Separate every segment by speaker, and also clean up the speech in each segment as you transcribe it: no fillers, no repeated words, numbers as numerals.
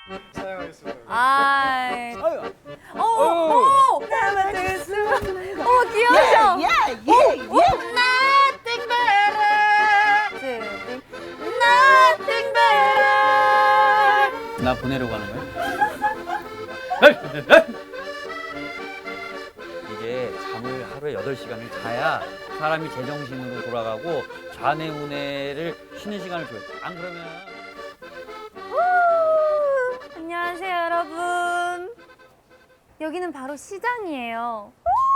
Speaker 1: 사용하겠습니다.
Speaker 2: 아이.
Speaker 1: 아유.
Speaker 2: 오! 어머, 귀여우셔. Nothing better. Nothing better.
Speaker 3: 나 보내려고 하는 거야? 이게 잠을 하루에 8시간을 자야 사람이 제정신으로 돌아가고 좌뇌우뇌를 쉬는 시간을 줘요. 안 그러면
Speaker 2: 안녕하세요, 여러분. 여기는 바로 시장이에요.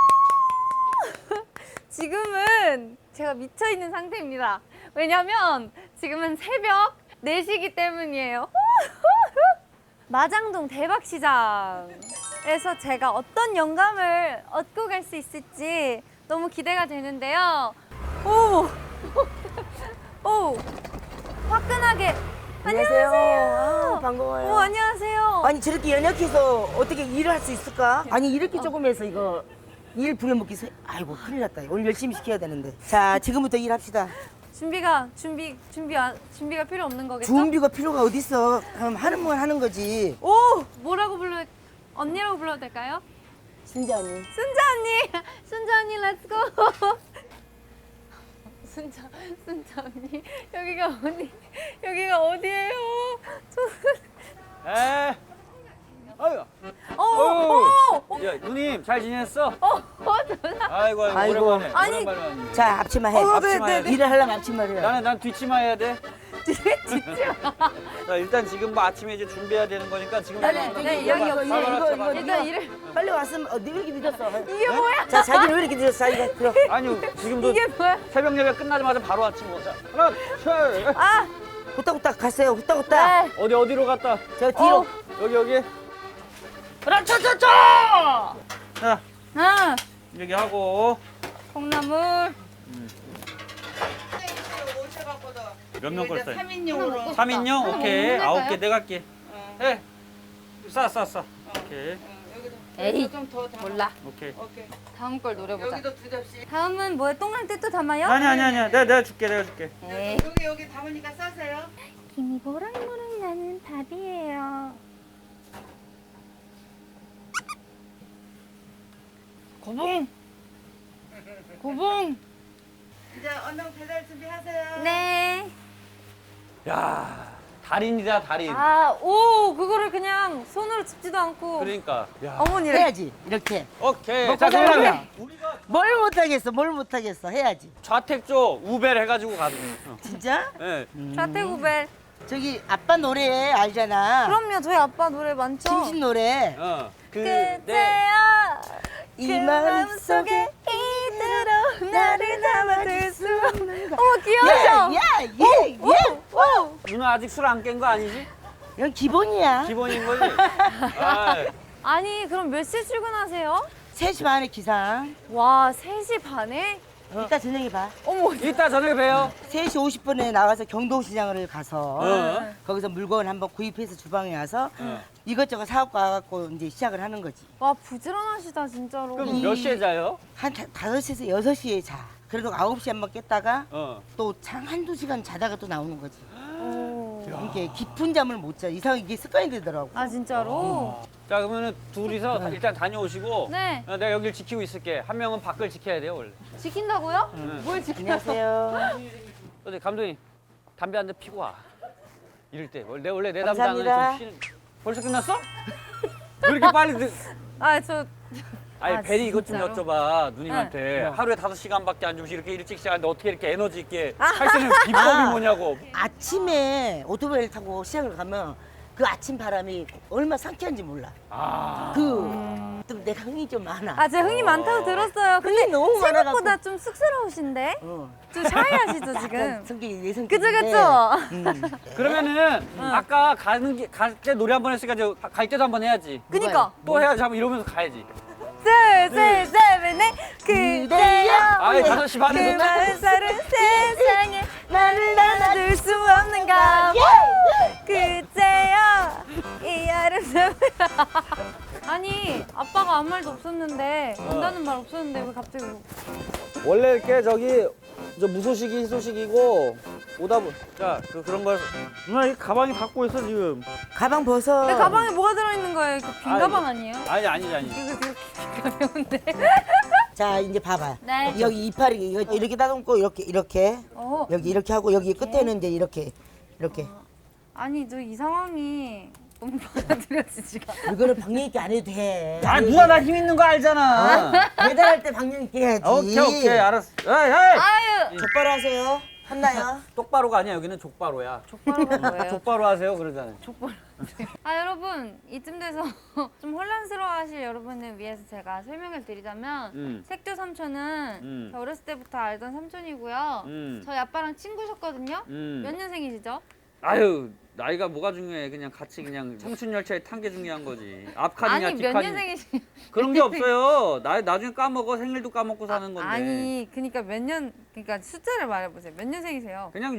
Speaker 2: 지금은 제가 미쳐있는 상태입니다. 왜냐면 지금은 새벽 4시기 때문이에요. 마장동 대박시장에서 제가 어떤 영감을 얻고 갈 수 있을지 너무 기대가 되는데요. 오! 오! 화끈하게. 안녕하세요.
Speaker 4: 아, 반가워요.
Speaker 2: 오, 안녕하세요.
Speaker 4: 아니 저렇게 연약해서 어떻게 일을 할 수 있을까? 아니 이렇게 조금 해서 이거 일 부려먹기 아이고 큰일 났다. 오늘 열심히 시켜야 되는데. 자 지금부터 일합시다.
Speaker 2: 준비가 필요 없는 거겠죠?
Speaker 4: 준비가 필요가 어딨어. 그럼 하는 건 하는 거지.
Speaker 2: 오! 언니라고 불러도 될까요?
Speaker 4: 순자 언니.
Speaker 2: 순자 언니! 순자 언니, 렛츠고! 순자 언니, 여기가 어디예요?
Speaker 3: 에. 아유. 야, 누님 잘 지냈어? 아이고
Speaker 4: 아이고.
Speaker 3: 오랜만에.
Speaker 2: 아니.
Speaker 3: 오랜만에 왔네.
Speaker 4: 자 앞치마 해.
Speaker 3: 앞치마 해야 돼.
Speaker 4: 일을 하려면 앞치마를 해.
Speaker 3: 난 뒷치마 해야 돼.
Speaker 2: 진짜.
Speaker 3: 자, 일단 지금 뭐 아침에 이제 준비해야 되는 거니까 지금
Speaker 2: 네, 여기.
Speaker 4: 이거
Speaker 2: 일단 일을.
Speaker 4: 빨리 왔으면 왜 이렇게 늦었어?
Speaker 2: 이게 뭐야?
Speaker 4: 자 자기는 왜 이렇게 늦었어? 자기가 들어.
Speaker 3: 아니 지금도
Speaker 2: 이게 뭐야?
Speaker 3: 새벽 예배 끝나자마자 바로 아침 먹자. 하나, 둘.
Speaker 2: 아!
Speaker 4: 후딱후딱 갔어요. 후딱후딱.
Speaker 2: 네.
Speaker 3: 어디로 갔다?
Speaker 4: 저 뒤로.
Speaker 3: 여기.
Speaker 4: 라차차차!
Speaker 3: 자,
Speaker 2: 아!
Speaker 3: 여기 하고
Speaker 2: 콩나물.
Speaker 3: 몇 명 걸 써요?
Speaker 5: 3인용으로
Speaker 3: 3인용? 오케이.
Speaker 2: 먹는
Speaker 3: 9개 내가 할게. 해. 싸. 오케이.
Speaker 2: 에이,
Speaker 5: 좀더
Speaker 2: 몰라.
Speaker 3: 오케이.
Speaker 5: 오케이.
Speaker 2: 다음 걸 노려보자.
Speaker 5: 여기도 2접시.
Speaker 2: 다음은 뭐야? 동그랑땡 담아요?
Speaker 3: 아니야. 내가 줄게.
Speaker 2: 에이.
Speaker 5: 여기 담으니까 싸세요.
Speaker 2: 김이 모락모락 나는 밥이에요. 고봉.
Speaker 5: 이제 얼른 배달 준비하세요.
Speaker 2: 네.
Speaker 3: 야, 달인이다, 달인.
Speaker 2: 아, 오, 그거를 그냥 손으로 짚지도 않고.
Speaker 3: 그러니까. 야.
Speaker 2: 어머니래.
Speaker 4: 해야지 이렇게.
Speaker 3: 오케이.
Speaker 4: 먹고
Speaker 3: 자, 그러면
Speaker 4: 살려면.
Speaker 3: 우리가
Speaker 4: 뭘 못하겠어. 해야지.
Speaker 3: 좌택조 우벨 해가지고 가는 거.
Speaker 4: 진짜?
Speaker 3: 네.
Speaker 2: 좌태구벨.
Speaker 4: 저기 아빠 노래 알잖아.
Speaker 2: 그럼요, 저희 아빠 노래 많죠?
Speaker 4: 심신 노래.
Speaker 2: 그대야
Speaker 4: 이
Speaker 2: 그
Speaker 4: 마음속에
Speaker 2: 이대로 나를 담아둘 수 없는 어머
Speaker 4: 예,
Speaker 2: 귀여우셔.
Speaker 4: 예.
Speaker 2: 오.
Speaker 3: 누나 아직 술 안 깬 거 아니지?
Speaker 4: 이건 기본이야.
Speaker 3: 기본인 거지? 아,
Speaker 2: 아니 그럼 몇 시에 출근하세요?
Speaker 4: 3시 반에 기상.
Speaker 2: 와 3시 반에?
Speaker 4: 이따 저녁에 봐.
Speaker 2: 어머
Speaker 3: 이따 저녁에 봬요.
Speaker 4: 3시 50분에 나가서 경동시장을 가서
Speaker 3: 어.
Speaker 4: 거기서 물건 한번 구입해서 주방에 와서
Speaker 3: 어.
Speaker 4: 이것저것 사갖고 와갖고 이제 시작을 하는 거지.
Speaker 2: 와 부지런하시다 진짜로.
Speaker 3: 그럼 몇 시에 자요?
Speaker 4: 한 5시에서 6시에 자. 그래도 9시에 한번 깼다가
Speaker 3: 어.
Speaker 4: 또 한두 시간 자다가 또 나오는 거지.
Speaker 2: 오.
Speaker 4: 이게 깊은 잠을 못 자. 이상 이게 습관이 되더라고.
Speaker 2: 아 진짜로?
Speaker 3: 자, 그러면은 둘이서 일단 다녀오시고
Speaker 2: 네.
Speaker 3: 내가 여기를 지키고 있을게. 한 명은 밖을 지켜야 돼요, 원래.
Speaker 2: 지킨다고요?
Speaker 3: 응.
Speaker 2: 뭘 지켜요?
Speaker 4: 안녕하세요.
Speaker 3: 근데 감독님, 담배 한 대 피고 와. 이럴 때. 원래 내
Speaker 4: 감사합니다.
Speaker 3: 담당은 좀 쉬는. 벌써 끝났어? 왜 이렇게 빨리
Speaker 2: 아저
Speaker 3: 아니
Speaker 2: 아,
Speaker 3: 베리 이것 좀
Speaker 2: 진짜로?
Speaker 3: 여쭤봐 누님한테
Speaker 4: 네.
Speaker 3: 하루에 5시간밖에 안 주무시 이렇게 일찍 시작하는데 어떻게 이렇게 에너지 있게 할 수 있는 비법이 뭐냐고.
Speaker 4: 아침에 오토바이를 타고 시장을 가면 그 아침 바람이 얼마나 상쾌한지 몰라.
Speaker 3: 아.
Speaker 4: 좀 내가 흥이 좀 많아.
Speaker 2: 아, 제가 흥이 많다고 들었어요. 근데
Speaker 4: 흥이 너무 많아갖고.
Speaker 2: 생각보다 좀 쑥스러우신데?
Speaker 4: 어.
Speaker 2: 좀 샤이하시죠,
Speaker 4: 약간
Speaker 2: 지금?
Speaker 4: 성격이 내 성격인데.
Speaker 2: 그죠?
Speaker 3: 그러면은 아까 갈 때 노래 한 번 했으니까 이제 갈 때도 한 번 해야지.
Speaker 2: 그니까.
Speaker 3: 또 해야지 한번 이러면서 가야지.
Speaker 2: 둘, 셋, 넷, 넷, 그대여.
Speaker 3: 아이 5시 반에
Speaker 2: 그 많은 사랑 세상에 나를 나눠줄 수 없는가. 그대여. 이 아름다운. 아니, 아빠가 아무 말도 없었는데, 온다는 말 없었는데, 왜 갑자기.
Speaker 3: 원래 이렇게 저기 저 무소식이 희소식이고 오다 보. 자, 그런 걸 누나 이 가방이 갖고 있어 지금.
Speaker 4: 가방 벗어.
Speaker 2: 내 가방에 뭐가 들어있는 거예요? 그 빈
Speaker 3: 아이,
Speaker 2: 가방 아니에요?
Speaker 3: 아니지.
Speaker 2: 이거 되게 가벼운데.
Speaker 4: 자 이제 봐봐.
Speaker 2: 네.
Speaker 4: 여기 이파리 이거 이렇게 다듬고 이렇게
Speaker 2: 어.
Speaker 4: 여기 이렇게 하고 여기 끝에는 이제 이렇게.
Speaker 2: 아니 저 이 상황이 너무 받아들여지지가.
Speaker 4: 이거는 방역 있게 안 해도 돼.
Speaker 3: 아 누가 나 힘 있는 거 알잖아.
Speaker 4: 배달할 때 방역 있게 해야지.
Speaker 3: 오케이 알았어. 에이.
Speaker 2: 아유.
Speaker 4: 족바로 하세요. 한나요?
Speaker 3: 똑바로가 아니야 여기는 족바로야.
Speaker 2: 족바로가 뭐예요?
Speaker 3: 족바로 하세요 그러잖아요.
Speaker 2: 족발. 아 여러분 이쯤 돼서 좀 혼란스러워하실 여러분을 위해서 제가 설명을 드리자면 색조 삼촌은 저 어렸을 때부터 알던 삼촌이고요. 저희 아빠랑 친구셨거든요. 몇 년생이시죠?
Speaker 3: 아유 나이가 뭐가 중요해. 그냥 같이 그냥 청춘 열차에 탄 게 중요한 거지. 앞칸이냐
Speaker 2: 아니 몇
Speaker 3: 뒷칸이냐.
Speaker 2: 년생이시?
Speaker 3: 그런 게 없어요. 나중에 까먹어. 생일도 까먹고 사는 건데.
Speaker 2: 아니 그러니까 몇 년 그러니까 숫자를 말해보세요. 몇 년생이세요?
Speaker 3: 그냥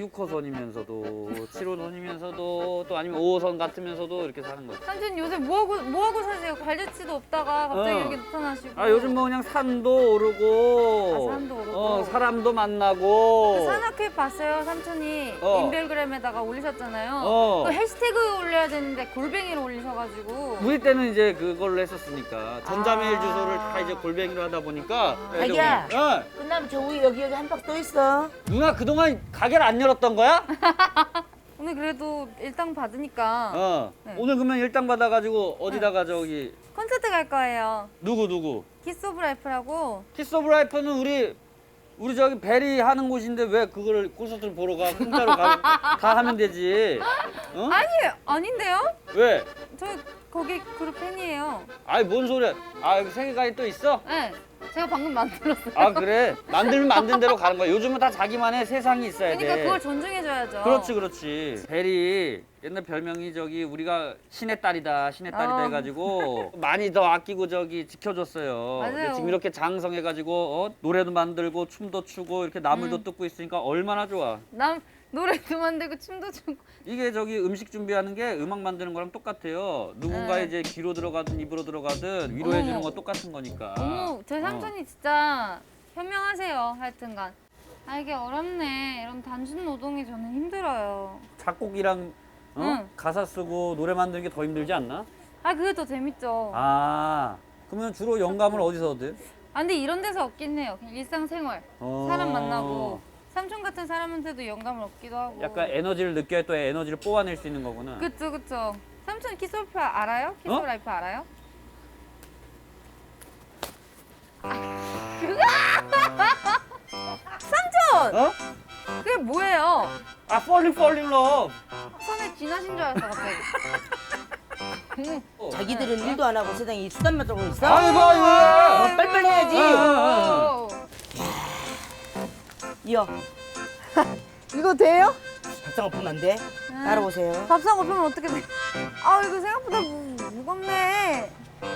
Speaker 3: 6호선이면서도 7호선이면서도 또 아니면 5호선 같으면서도 이렇게 사는 거지.
Speaker 2: 삼촌 요새 뭐 하고 사세요? 관리치도 없다가 갑자기
Speaker 3: 어.
Speaker 2: 이렇게 나타나시고.
Speaker 3: 아 요즘 뭐 그냥 산도 오르고
Speaker 2: 아, 산도 오르고.
Speaker 3: 사람도 만나고
Speaker 2: 그 산악회 봤어요 삼촌이 인별그램에다가 올리셨잖아요.
Speaker 3: 어.
Speaker 2: 그 해시태그 올려야 되는데 골뱅이로 올리셔가지고.
Speaker 3: 우리 때는 이제 그걸로 했었으니까 전자메일 주소를 다 이제 골뱅이로 하다 보니까
Speaker 4: 자기야.
Speaker 3: 어.
Speaker 4: 끝나면 저 우유 여기 한 박 또 있어.
Speaker 3: 누나 그동안 가게를 안 열었던 거야?
Speaker 2: 오늘 그래도 일당 받으니까 네.
Speaker 3: 오늘 그러면 일당 받아가지고 어디다가 저기
Speaker 2: 콘서트 갈 거예요.
Speaker 3: 누구?
Speaker 2: 키스 오브 라이프라고.
Speaker 3: 키스 오브 라이프는 우리 저기 베리 하는 곳인데 왜 그거를 콘서트를 보러 가? 공짜로 가 하면 되지. 어?
Speaker 2: 아닌데요?
Speaker 3: 왜?
Speaker 2: 저 거기 그룹 팬이에요.
Speaker 3: 아이 뭔 소리야? 아 여기 세계관이 또 있어?
Speaker 2: 네. 제가 방금 만들었어요.
Speaker 3: 아 그래? 만들면 만든 대로 가는 거야. 요즘은 다 자기만의 세상이 있어야 돼.
Speaker 2: 그러니까 그걸 존중해줘야죠.
Speaker 3: 그렇지. 베리 옛날 별명이 저기 우리가 신의 딸이다 해가지고 많이 더 아끼고 저기 지켜줬어요.
Speaker 2: 맞아요.
Speaker 3: 근데 지금 이렇게 장성해가지고 노래도 만들고 춤도 추고 이렇게 나물도 뜯고 있으니까 얼마나 좋아.
Speaker 2: 노래도 만들고 춤도 추고.
Speaker 3: 이게 저기 음식 준비하는 게 음악 만드는 거랑 똑같아요. 누군가의 이제 귀로 들어가든 입으로 들어가든 위로해 주는 거 똑같은 거니까.
Speaker 2: 어머, 제 삼촌이 진짜 현명하세요. 하여튼간. 아 이게 어렵네. 이런 단순 노동이 저는 힘들어요.
Speaker 3: 작곡이랑
Speaker 2: 응.
Speaker 3: 가사 쓰고 노래 만드는 게 더 힘들지 않나?
Speaker 2: 아 그게 더 재밌죠.
Speaker 3: 그러면 주로 영감을 어디서 얻어요?
Speaker 2: 근데 이런 데서 얻긴 해요. 그냥 일상생활. 사람 만나고. 삼촌 같은 사람한테도 영감을 얻기도 하고.
Speaker 3: 약간 에너지를 느껴야 또 에너지를 뽑아낼 수 있는 거구나.
Speaker 2: 그쵸. 삼촌 키스 오브 알아요? 키스 오브 라이프 알아요? 삼촌!
Speaker 3: 어?
Speaker 2: 그게 뭐예요?
Speaker 3: Falling Love.
Speaker 2: 손에 쥐나신 줄 알았어 갑자기.
Speaker 4: 자기들은 일도 안 하고 세상에 수단만 떨고 있어.
Speaker 3: 아이고.
Speaker 4: 빨리빨리 해야지.
Speaker 2: 오.
Speaker 4: 이어.
Speaker 2: 이거 돼요?
Speaker 4: 밥상 엎으면 안 돼. 따라오세요.
Speaker 2: 밥상 엎으면 어떻게 돼? 아 이거 생각보다 무겁네.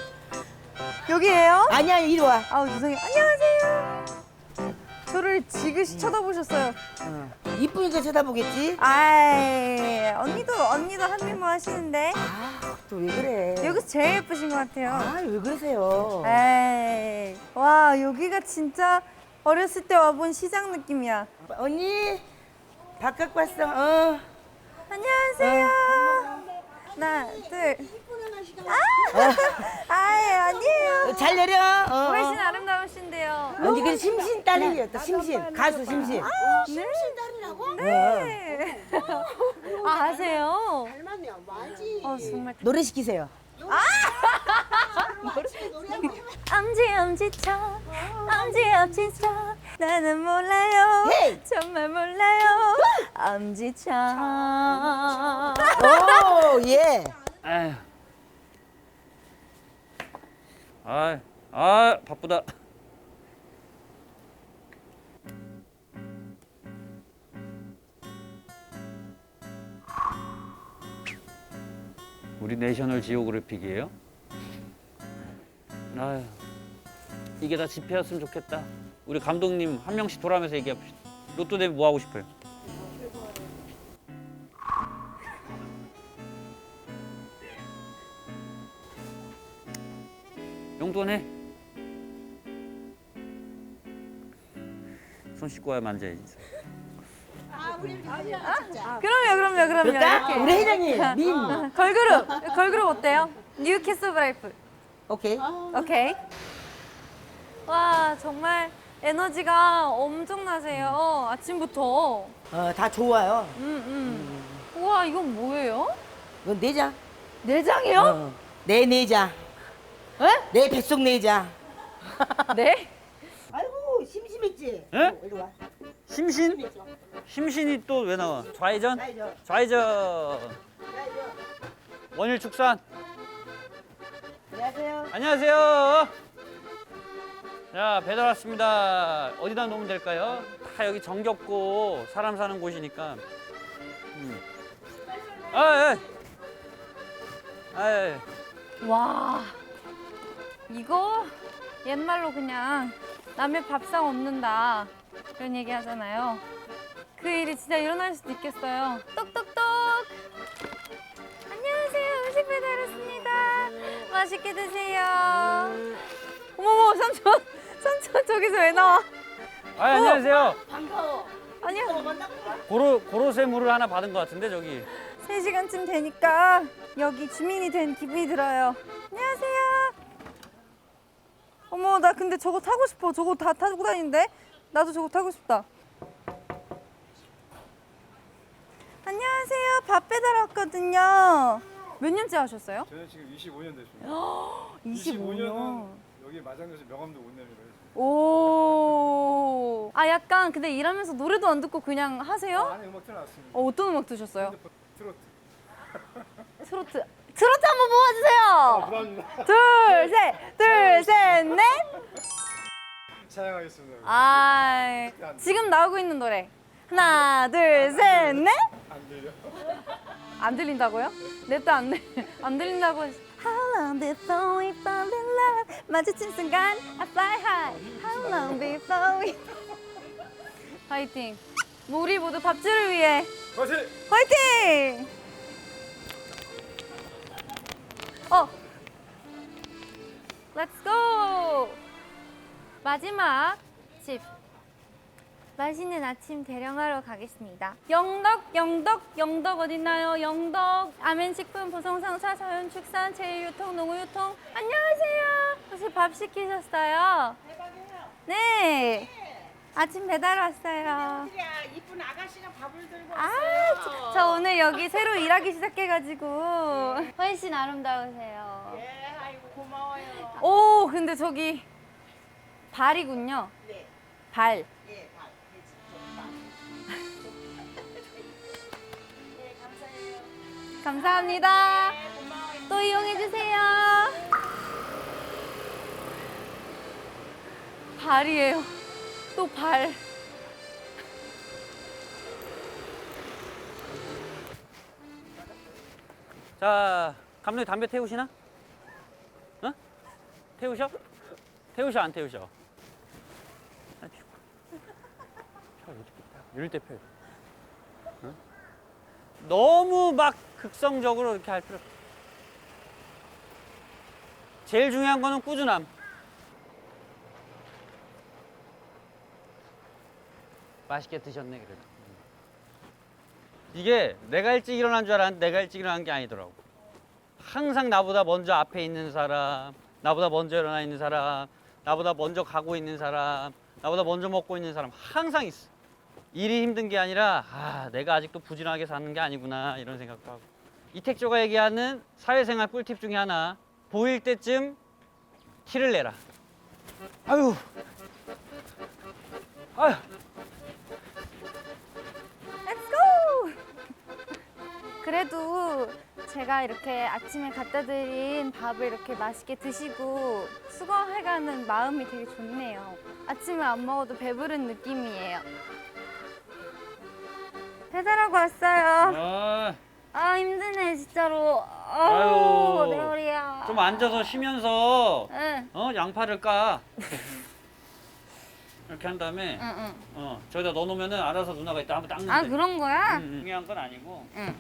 Speaker 2: 여기에요?
Speaker 4: 아니야 이리 와.
Speaker 2: 아우 죄송해요. 안녕하세요. 저를 지그시 쳐다보셨어요.
Speaker 4: 이쁘니까 쳐다보겠지.
Speaker 2: 아이 언니도 한 미모 하시는데
Speaker 4: 또 왜 그래?
Speaker 2: 여기서 제일 예쁘신 것 같아요.
Speaker 4: 왜 그러세요?
Speaker 2: 에이 와 여기가 진짜 어렸을 때 와본 시장 느낌이야.
Speaker 4: 언니 밥 갖고 왔어.
Speaker 2: 안녕하세요. 하나 둘. 아이 아니에요.
Speaker 4: 잘 내려.
Speaker 2: 훨씬 아름다우신데요.
Speaker 4: 언니 그 심신 딸이었다. 심신 가수 심신.
Speaker 2: 네. 네. 아 아세요?
Speaker 5: 닮았네요. 맞지.
Speaker 2: 정말.
Speaker 4: 노래 시키세요.
Speaker 2: 엄지척 엄지척 나는 몰라요
Speaker 4: 헤이!
Speaker 2: 정말 몰라요 엄지척
Speaker 4: 오 예.
Speaker 3: 에휴. 바쁘다. 우리 내셔널 지오그래픽이에요? 아휴, 이게 다 집회였으면 좋겠다. 우리 감독님 한 명씩 돌아가면서 얘기해봅시다. 로또 되면 뭐 하고 싶어요? 용돈 해. 손 씻고 와야 만져야지.
Speaker 2: 그럼요.
Speaker 4: 그럴까?
Speaker 2: 이렇게.
Speaker 4: 우리 회장님 민.
Speaker 2: 걸그룹 어때요? 뉴 키스 오브 라이프.
Speaker 4: 오케이.
Speaker 2: 오케이. 와, 정말 에너지가 엄청나세요. 아침부터.
Speaker 4: 다 좋아요.
Speaker 2: 우와, 이건 뭐예요?
Speaker 4: 이건 내장.
Speaker 2: 내장이요?
Speaker 4: 내 내장.
Speaker 2: 에?
Speaker 4: 내 뱃속 내장.
Speaker 2: 네?
Speaker 4: 아이고 심심했지.
Speaker 3: 에?
Speaker 4: 이리 와.
Speaker 3: 심신? 심신이 또 왜 나와? 좌회전? 좌회전. 원일 축산.
Speaker 4: 안녕하세요.
Speaker 3: 안녕하세요. 자, 배달 왔습니다. 어디다 놓으면 될까요? 다 여기 정겹고 사람 사는 곳이니까. 아, 예. 아, 예.
Speaker 2: 와, 이거 옛말로 그냥 남의 밥상 없는다 이런 얘기 하잖아요. 그 일이 진짜 일어날 수도 있겠어요. 똑똑똑. 안녕하세요. 음식 배달 왔습니다. 맛있게 드세요. 어머머, 삼촌 저기서 왜 나와?
Speaker 3: 아, 안녕하세요.
Speaker 4: 반가워.
Speaker 2: 아니요.
Speaker 3: 고로쇠물을 하나 받은 것 같은데 저기.
Speaker 2: 3시간쯤 되니까 여기 주민이 된 기분이 들어요. 안녕하세요. 어머, 나 근데 저거 타고 싶어. 저거 다 타고 다니는데? 나도 저거 타고 싶다. 안녕하세요. 밥 배달 왔거든요. 몇 년째 하셨어요?
Speaker 1: 저는 지금 25년 됐습니다.
Speaker 2: 25년.
Speaker 1: 25년은 여기 마장도에서 명함도 못 내밀어요.
Speaker 2: 오. 아, 약간 근데 일하면서 노래도 안 듣고 그냥 하세요?
Speaker 1: 안에 음악 틀어놨습니다.
Speaker 2: 어떤 음악 드셨어요?
Speaker 1: 핸드폰 트로트.
Speaker 2: 트로트 한번 뽑아주세요.
Speaker 1: 감사합니다.
Speaker 2: 둘, 셋, 넷.
Speaker 1: 사양하겠습니다.
Speaker 2: 아, 지금 나오고 있는 노래. 하나, 둘, 셋, 넷.
Speaker 1: 안 들려?
Speaker 2: 안 들린다고요? 냅도 안 들린다고. How long before we fall in love? 마주친 순간 I fly high. How long before we? 파이팅. 우리 모두 밥줄을 위해
Speaker 1: 화이팅!
Speaker 2: 화이팅! Let's go! 마지막 집. 맛있는 아침 대령하러 가겠습니다. 영덕 어딨나요? 영덕 아멘식품 보성상사 서현축산 제일유통 농우유통. 안녕하세요. 혹시 밥 시키셨어요? 네. 아침 배달 왔어요.
Speaker 5: 이쁜 아가씨가 밥을 들고
Speaker 2: 아,
Speaker 5: 왔어요.
Speaker 2: 저 오늘 여기 새로 일하기 시작해가지고 훨씬 아름다우세요.
Speaker 5: 예, 아이고 고마워요.
Speaker 2: 오, 근데 저기 발이군요.
Speaker 5: 네,
Speaker 2: 발.
Speaker 5: 예, 밥, 돼지, 밥. 네, 감사해요.
Speaker 2: 감사합니다.
Speaker 5: 고마워요.
Speaker 2: 또 이용해주세요. 발이에요. 또 발.
Speaker 3: 자, 감독님 담배 태우시나? 어? 태우셔? 태우셔 안 태우셔? 아니, 펴 이렇게 이럴 때 펴. 어? 너무 막 극성적으로 이렇게 할 필요 없어. 제일 중요한 거는 꾸준함. 맛있게 드셨네 그래도. 이게 내가 일찍 일어난 줄 알았는데 내가 일찍 일어난 게 아니더라고. 항상 나보다 먼저 앞에 있는 사람, 나보다 먼저 일어나 있는 사람, 나보다 먼저 가고 있는 사람, 나보다 먼저 먹고 있는 사람 항상 있어. 일이 힘든 게 아니라 내가 아직도 부진하게 사는 게 아니구나 이런 생각도 하고. 이택조가 얘기하는 사회생활 꿀팁 중에 하나, 보일 때쯤 티를 내라. 아유.
Speaker 2: Let's go! 그래도 제가 이렇게 아침에 갖다 드린 밥을 이렇게 맛있게 드시고 수고해가는 마음이 되게 좋네요. 아침을 안 먹어도 배부른 느낌이에요. 배달하고 왔어요. 아, 힘드네 진짜로.
Speaker 3: 아유.
Speaker 2: 내 허리야.
Speaker 3: 좀 앉아서 쉬면서
Speaker 2: 응.
Speaker 3: 양파를 까. 이렇게 한 다음에
Speaker 2: 응.
Speaker 3: 저기다 넣어놓으면은 알아서 누나가 이따 한번 닦는데.
Speaker 2: 아, 그런 거야?
Speaker 3: 중요한 건 아니고.
Speaker 2: 응.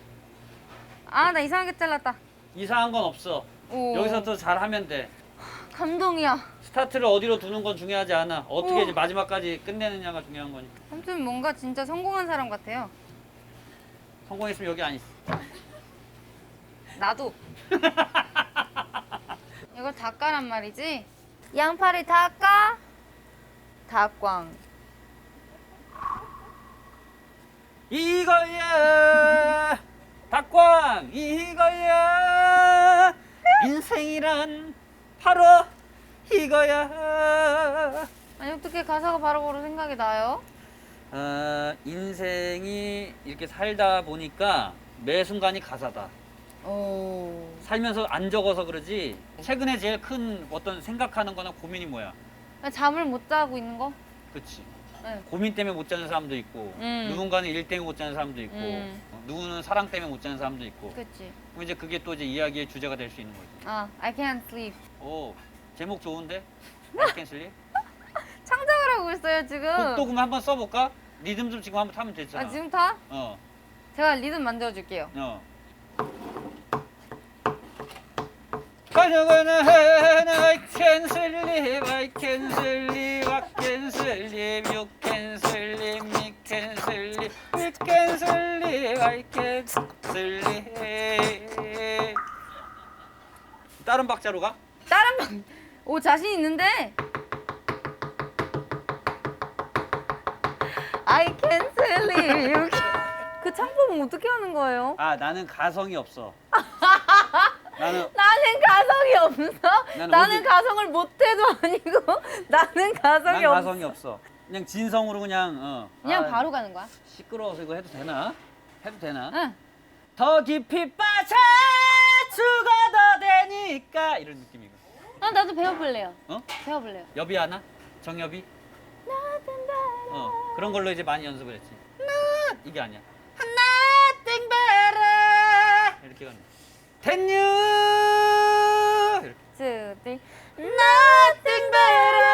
Speaker 2: 아, 나 이상하게 잘랐다.
Speaker 3: 이상한 건 없어.
Speaker 2: 오.
Speaker 3: 여기서 또 잘하면 돼.
Speaker 2: 감동이야.
Speaker 3: 스타트를 어디로 두는 건 중요하지 않아. 어떻게
Speaker 2: 우와.
Speaker 3: 이제 마지막까지 끝내느냐가 중요한 거니까.
Speaker 2: 삼촌 뭔가 진짜 성공한 사람 같아요.
Speaker 3: 성공했으면 여기 안 있어.
Speaker 2: 나도. 이거 닭가란 말이지? 양파를 닭가? 닭광.
Speaker 3: 이거야 닭광 이거야 인생이란 바로 이거야.
Speaker 2: 아니 어떻게 가사가 바로바로 생각이 나요?
Speaker 3: 인생이 이렇게 살다 보니까 매 순간이 가사다.
Speaker 2: 오.
Speaker 3: 살면서 안 적어서 그러지. 최근에 제일 큰 어떤 생각하는 거나 고민이 뭐야?
Speaker 2: 잠을 못 자고 있는 거?
Speaker 3: 그치.
Speaker 2: 네.
Speaker 3: 고민 때문에 못 자는 사람도 있고 누군가는 일 때문에 못 자는 사람도 있고 누구는 사랑 때문에 못 자는 사람도 있고.
Speaker 2: 그치.
Speaker 3: 그럼 이제 그게 또 이제 이야기의 주제가 될 수 있는 거지.
Speaker 2: 아, I can't sleep.
Speaker 3: 오, 제목 좋은데? I can sleep?
Speaker 2: 창작을 하고 있어요 지금.
Speaker 3: 곡도 그럼 한번 써볼까? 리듬 좀 지금 한번 타면 됐잖아.
Speaker 2: 아 지금 타?
Speaker 3: 어,
Speaker 2: 제가 리듬 만들어줄게요.
Speaker 3: 어. 가져가는 I can sleep, I can sleep, I can sleep, you can sleep, me can sleep, we can sleep, I can sleep. 다른 박자로 가?
Speaker 2: 다른 방. 오 자신 있는데. I can sleep. 그 창법은 어떻게 하는 거예요?
Speaker 3: 아, 나는 가성이 없어. 나는
Speaker 2: 나는 가성이 없어.
Speaker 3: 나는
Speaker 2: 나는
Speaker 3: 어디-
Speaker 2: 가성을 못해도 아니고 나는 가성이
Speaker 3: 난
Speaker 2: 없어.
Speaker 3: 가성이 없어. 그냥 진성으로 그냥
Speaker 2: 그냥
Speaker 3: 아,
Speaker 2: 바로 가는 거야.
Speaker 3: 시끄러워서 이거 해도 되나? 해도 되나?
Speaker 2: 응.
Speaker 3: 더 깊이 빠져 죽어도 되니까 이런 느낌이고.
Speaker 2: 아 나도 배워볼래요.
Speaker 3: 어?
Speaker 2: 배워볼래요.
Speaker 3: 여비 하나? 정여비? 그런 걸로 이제 많이 연습을 했지. 이게 아니야. Nothing better 이렇게 가는. Can you? 이렇게.
Speaker 2: Two, three. Nothing better.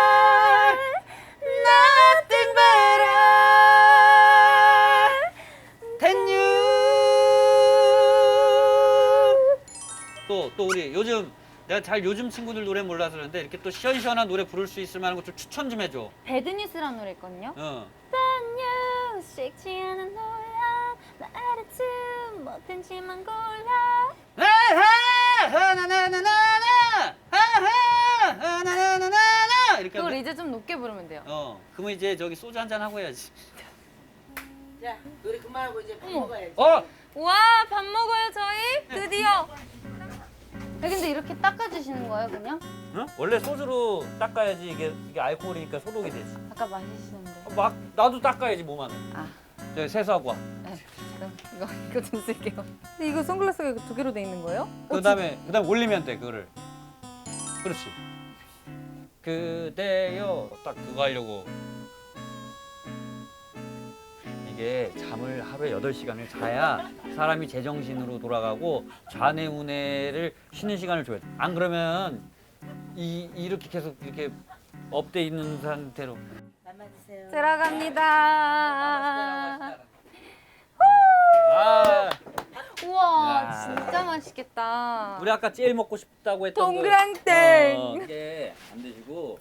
Speaker 2: Nothing better.
Speaker 3: Can you? 또 우리 요즘 내가 잘 요즘 친구들 노래 몰라서 그러는데 이렇게 또 시원시원한 노래 부를 수 있을 만한 거 좀 추천 좀 해줘.
Speaker 2: 배드뉴스라는 노래 있거든요.
Speaker 3: 어.
Speaker 2: Bad news, 식지 않은 논란, 나 attitude 못했지만 골라.
Speaker 3: 이렇게
Speaker 2: 그걸
Speaker 3: 하면 돼?
Speaker 2: 이제 좀 높게 부르면 돼요.
Speaker 3: 그러면 이제 저기 소주 한잔 하고 해야지.
Speaker 4: 자, 노래 그만하고 이제 밥
Speaker 2: 어머.
Speaker 4: 먹어야지.
Speaker 2: 와, 밥 먹어요 저희? 드디어. 야, 근데 이렇게 닦아주시는 거예요 그냥?
Speaker 3: 어? 원래 소주로 닦아야지 이게 알코올이니까 소독이 되지.
Speaker 2: 아까 마시시는데.
Speaker 3: 막 나도 닦아야지 몸 안에.
Speaker 2: 아,
Speaker 3: 저기 세수하고 와.
Speaker 2: 네. 그럼 이거 좀 쓸게요. 근데 이거 선글라스가 두 개로 돼 있는 거예요?
Speaker 3: 그다음에 올리면 돼 그거를. 그렇지. 그대여 딱 그거 하려고. 이게 잠을 하루에 8시간을 자야 사람이 제정신으로 돌아가고 좌뇌우뇌를 쉬는 시간을 줘야 돼. 안 그러면 이렇게 계속 이렇게 업돼 있는 상태로.
Speaker 4: 맘만 드세요.
Speaker 2: 들어갑니다.
Speaker 3: 아,
Speaker 2: 우와,
Speaker 3: 야.
Speaker 2: 진짜 맛있겠다.
Speaker 3: 우리 아까 제일 먹고 싶다고 했던
Speaker 2: 동그랑땡.
Speaker 3: 이게 안 드시고.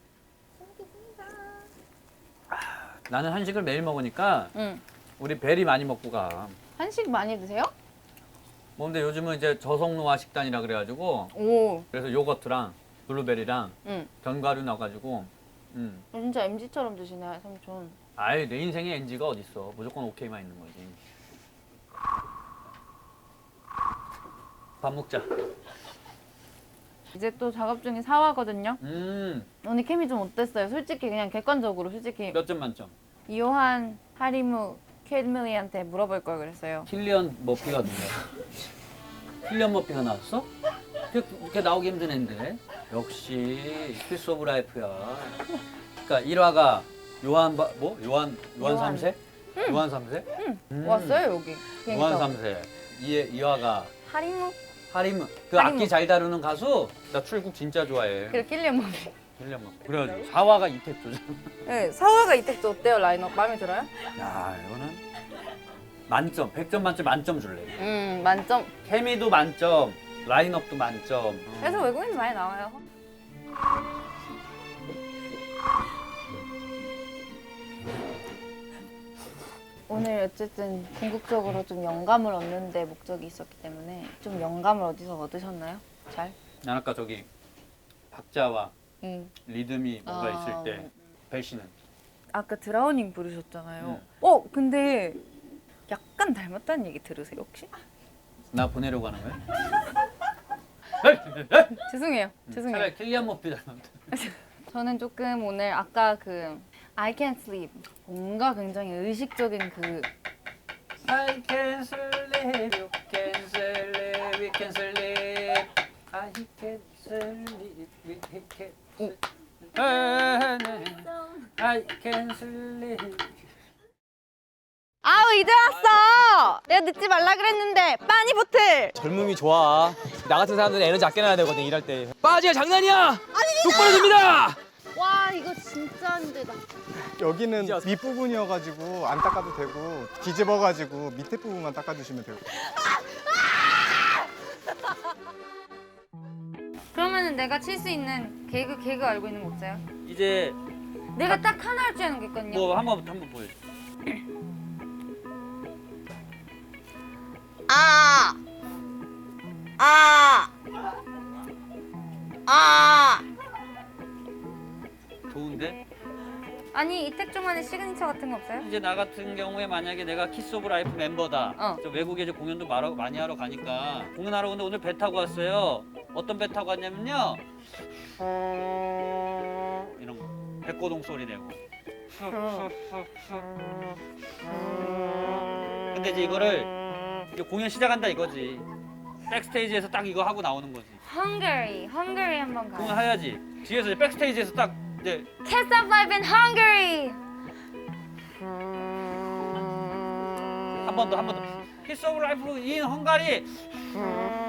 Speaker 3: 나는 한식을 매일 먹으니까
Speaker 2: 응.
Speaker 3: 우리 베리 많이 먹고 가.
Speaker 2: 한식 많이 드세요?
Speaker 3: 뭐 근데 요즘은 이제 저속노화 식단이라 그래가지고
Speaker 2: 오,
Speaker 3: 그래서 요거트랑 블루베리랑
Speaker 2: 응.
Speaker 3: 견과류 넣어가지고
Speaker 2: 진짜 MZ처럼 드시네, 삼촌.
Speaker 3: 아이 내 인생에 NG가 어딨어. 무조건 오케이만 있는 거지. 밥 먹자.
Speaker 2: 이제 또 작업 중에 사화거든요. 오늘 케미 좀 어땠어요? 솔직히 그냥 객관적으로 솔직히
Speaker 3: 몇 점 만점?
Speaker 2: 이요한 하리무 캐드밀리한테 물어볼 걸 그랬어요.
Speaker 3: 킬리언 머피가 누구야? 킬리언 머피가 나왔어? 그렇게 나오기 힘든 애인데. 역시 필스 오브 라이프야. 그러니까 1화가 요한 3세? 요한 3세?
Speaker 2: 왔어요 여기.
Speaker 3: 요한 3세. 2화가
Speaker 2: 하리무
Speaker 3: 하림. 그
Speaker 2: 하리무.
Speaker 3: 악기 잘 다루는 가수. 나 출국 진짜 좋아해.
Speaker 2: 그리고 킬리언 머피.
Speaker 3: 킬리언 머피. 그래가지고 4화가 이택조죠.
Speaker 2: 네, 사화가 이택도 어때요 라인업? 마음에 들어요?
Speaker 3: 야 이거는 만점. 100점 만점 만점 줄래.
Speaker 2: 만점.
Speaker 3: 케미도 만점. 라인업도 만점.
Speaker 2: 그래서 외국인 많이 나와요. 오늘 어쨌든 궁극적으로 좀 영감을 얻는 데 목적이 있었기 때문에 좀 영감을 어디서 얻으셨나요? 잘?
Speaker 3: 난 아까 저기 박자와
Speaker 2: 응.
Speaker 3: 리듬이 뭔가 있을 때 배신은
Speaker 2: 아까 드라우닝 부르셨잖아요.
Speaker 3: 응.
Speaker 2: 근데 약간 닮았다는 얘기 들으세요 혹시?
Speaker 3: 나 보내려고 하는 거야?
Speaker 2: 죄송해요. 죄송해요.
Speaker 3: 차라리 킬리안 머피 닮았다.
Speaker 2: 저는 조금 오늘 아까 그 I can't sleep 뭔가 굉장히 의식적인 그
Speaker 3: I can sleep, you can sleep, we can sleep. I can sleep, we can sleep. I can sleep.
Speaker 2: 아우 이제 왔어. 내가 늦지 말라 그랬는데 빠니보틀.
Speaker 6: 젊음이 좋아. 나 같은 사람들은 에너지 아껴놔야 되거든 일할 때. 빠지가 장난이야. 똑바로 됩니다.
Speaker 2: 와 이거 진짜 힘들다.
Speaker 1: 여기는 밑부분이어가지고 안 닦아도 되고 뒤집어가지고 밑에 부분만 닦아주시면 되고.
Speaker 2: 그러면은 내가 칠 수 있는 개그 알고 있는 거 없어요?
Speaker 3: 이제
Speaker 2: 내가 딱 하나 할 줄 아는 게 있거든요.
Speaker 3: 뭐 한번 보여줘. 좋은데?
Speaker 2: 아니 이택종만의 시그니처 같은 거 없어요?
Speaker 3: 이제 나 같은 경우에 만약에 내가 키스 오브 라이프 멤버다.
Speaker 2: 어.
Speaker 3: 저 외국에 이제 공연도 많이 하러 가니까 공연하러 오는데 오늘 배 타고 왔어요. 어떤 배 타고 왔냐면요. 이런 거. 백고동 소리 내고. 근데 이제 이거를 이제 공연 시작한다 이거지. 백스테이지에서 딱 이거 하고 나오는 거지.
Speaker 2: Hungary 한번 가요.
Speaker 3: 공연 해야지. 뒤에서 이제 백스테이지에서 딱 이제
Speaker 2: Kiss of Life in Hungary.
Speaker 3: 한 번 더. 키스 오브 라이프 인 헝가리.